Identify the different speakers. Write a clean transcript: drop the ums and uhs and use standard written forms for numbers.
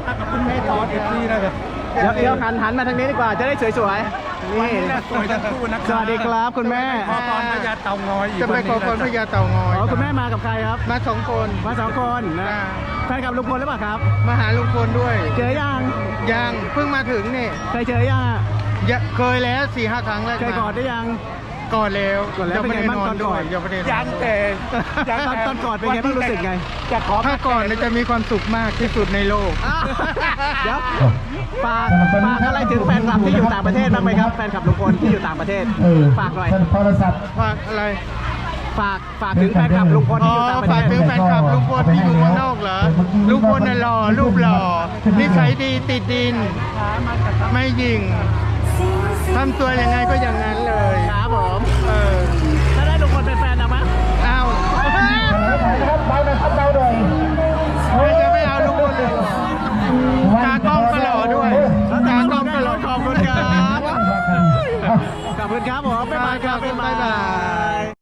Speaker 1: กับคุณแม่ตอนที่นะครับ
Speaker 2: เดี๋ยวหันมาทางนี้ดีกว่าจะได้สวยๆ
Speaker 1: วัน
Speaker 2: นี่
Speaker 1: นี้สวยทั้งคู่นะ
Speaker 2: สวัสดีครับคุณแม่
Speaker 1: ขอพรพญาเต่างอยอีก
Speaker 3: จะไปขอพรพญาเต่างอย
Speaker 2: อ๋อคุณแม่มากับใครครับ
Speaker 3: มา2 คน
Speaker 2: มาสองคนนะ
Speaker 3: อ่า
Speaker 2: แฟนกับลุงพลหรือเปล่าครับ
Speaker 3: มาหาลุงพลด้วย
Speaker 2: เจอยัง
Speaker 3: ยังเพิ่งมาถึงนี่
Speaker 2: เคยเจอยังอะ
Speaker 3: เคยแล้ว4-5 ครั้งแล้ว
Speaker 2: เคยกอดได้ยัง
Speaker 3: ก่อนแล้ว
Speaker 2: ก่อนแล้วเป็นไงบ้างตอนก่อน
Speaker 3: ยังไม่ได้นอน
Speaker 1: ยังแต่
Speaker 2: ตอนก่อนเป็นไงบ้างรู้สึกไง
Speaker 1: จะขอ
Speaker 3: ถ้าก่อนเนี่ยจะมีความสุขมากที่สุดในโลก
Speaker 2: อ้าวเดี๋ยวฝากอะไรถึงแฟนคลับที่อยู่ต่างประเทศบ้างไหมครับแฟนคลับลุงพลที่อยู่ต่างประเทศฝากหน่อย
Speaker 4: โทรศัพท์
Speaker 3: ฝากอะไร
Speaker 2: ฝากถึงแฟนคลับลุงพล
Speaker 3: อ๋อ
Speaker 2: ที่อยู่ต่างประเท
Speaker 3: ฝาก
Speaker 2: ศ
Speaker 3: ถึงแฟนคลับลุงพลที่อยู่เมืองนอกเหรอลุงพลน่ะหล่อรูปหล่อนิสัยดีติดดิน ไม่ยิงทำตัวยังไงก็อย่างนั้นเลย
Speaker 2: ครับผม
Speaker 3: เออ
Speaker 2: ถ้าได้ลุงพลเป็นแฟนเอาไหม
Speaker 3: เอา
Speaker 4: นะครับเบาหน่อยครับเบาหน่อย
Speaker 3: ไม่จะไม่เอาลุงพลเลยตากล้องก็หล่อด้วยตากล้องก็หล่อ
Speaker 2: ขอบคุณครับ ขอบคุณครับผมบ๊ายบายครับ
Speaker 3: บ๊ายบาย